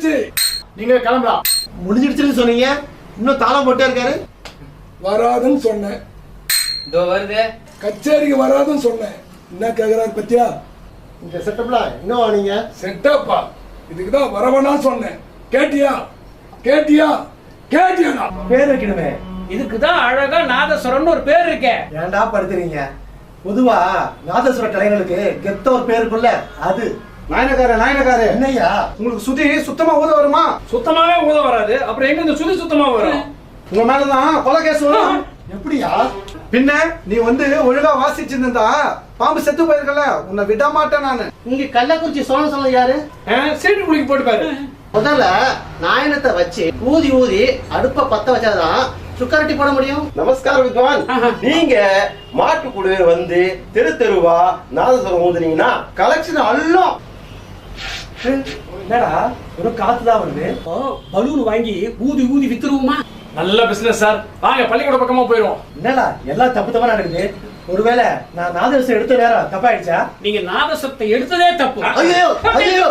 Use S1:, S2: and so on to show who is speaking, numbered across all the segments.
S1: முடிஞ்சிடுச்சு.
S2: நீங்க கிளம்பலாம்.
S3: முடிஞ்சிடுச்சுன்னு சொன்னீங்க, இன்னும் தாளம் போட்டே இருக்காரு.
S1: வராதுன்னு சொன்னேன்.
S4: இதோ வருது.
S1: கச்சேரிக்கு வராதுன்னு சொன்னேன். என்ன கேக்குறாரு பத்தியா?
S3: இந்த செட்டப்ல இன்னும் நீங்க
S1: செட்டப்பா? இதுக்குதான் வரவனா சொன்னேன். கேட்டியா கேட்டியா கேட்டியா?
S3: பேர் வைக்கணுமே.
S2: இதுக்குதான் அழகா நாதஸ்வரம்னு ஒரு பேர் இருக்கே.
S3: ஏன்டா படுத்துறீங்க? பொதுவா நாதஸ்வர கலைஞர்களுக்கு கெத்த ஒரு பேர் இருக்குல்ல, அது.
S5: நாயனக்காரு
S3: என்னய்யா?
S5: உங்களுக்கு சுதி சுத்தமா ஊத வருமா?
S2: சுத்தமாவே ஊத வராது, அப்புறம் எங்க இந்த சுதி சுத்தமா வரும்?
S5: உங்க மேலதான் கொலை கேஸ் வரும்.
S3: எப்படியா?
S5: பின்ன நீ ஒழுங்கா வாசிச்சிருந்தா பாம்பு செத்து போயிருக்கல, உன்னை விட மாட்டேன் நானு.
S3: இங்க கள்ளக்குறிச்சி சோழன் சொல்ல யாரு?
S2: சீட்டு குளிக்கு போட்டு பாரு.
S3: முதல்ல நாயனத்தை வச்சு ஊதி ஊதி அடுப்ப பத்த வச்சாதான் சுக்கரட்டி போட முடியும்.
S6: நமஸ்காரம் வித்வான். நீங்க மாட்டுக்குழு வந்து தெரு தெருவா நாதஸ்வரம் ஊதுனீங்கன்னா கலெக்ஷன் அள்ளும்.
S3: என்னடா ஒரு காத்துதான் வருது.
S2: பலூன் வாங்கி ஊதி ஊதி வித்துருவோமா? நல்ல பிசினஸ் சார். வாங்க பள்ளிக்கூட பக்கமா போயிருவோம்.
S3: என்னடா எல்லாம் தப்பு தப்பா நடக்குது? ஒருவேளை நான் நாதஸ்வரம் எடுத்த நேரம் தப்பாயிடுச்சா?
S2: நீங்க நாதஸ்வரத்தை எடுத்ததே தப்பு.
S3: ஐயோ ஐயோ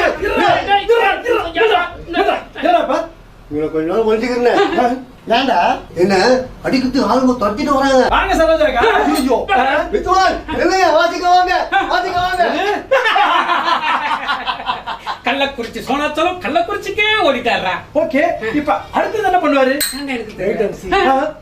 S3: என்னப்பா இவனை கொஞ்ச நாள் ஒழிச்சுக்கிறேன். ஏண்டா என்ன அடிக்கிறது ஆளுங்க தொட்டிட்டு வராங்க.
S2: வாங்க சரோஜாக்கா.
S3: ஐயோ வித்வான் இல்லையா? வாசிக்க வாங்க வாசிக்க வாங்க.
S2: கள்ளக்குறிச்சி சோனாச்சலம் கள்ளக்குறிச்சிக்கே ஓடிட்டாரா?
S3: ஓகே, இப்ப அடுத்தது என்ன பண்ணுவாரு?
S2: எனக்கு தெரியும்.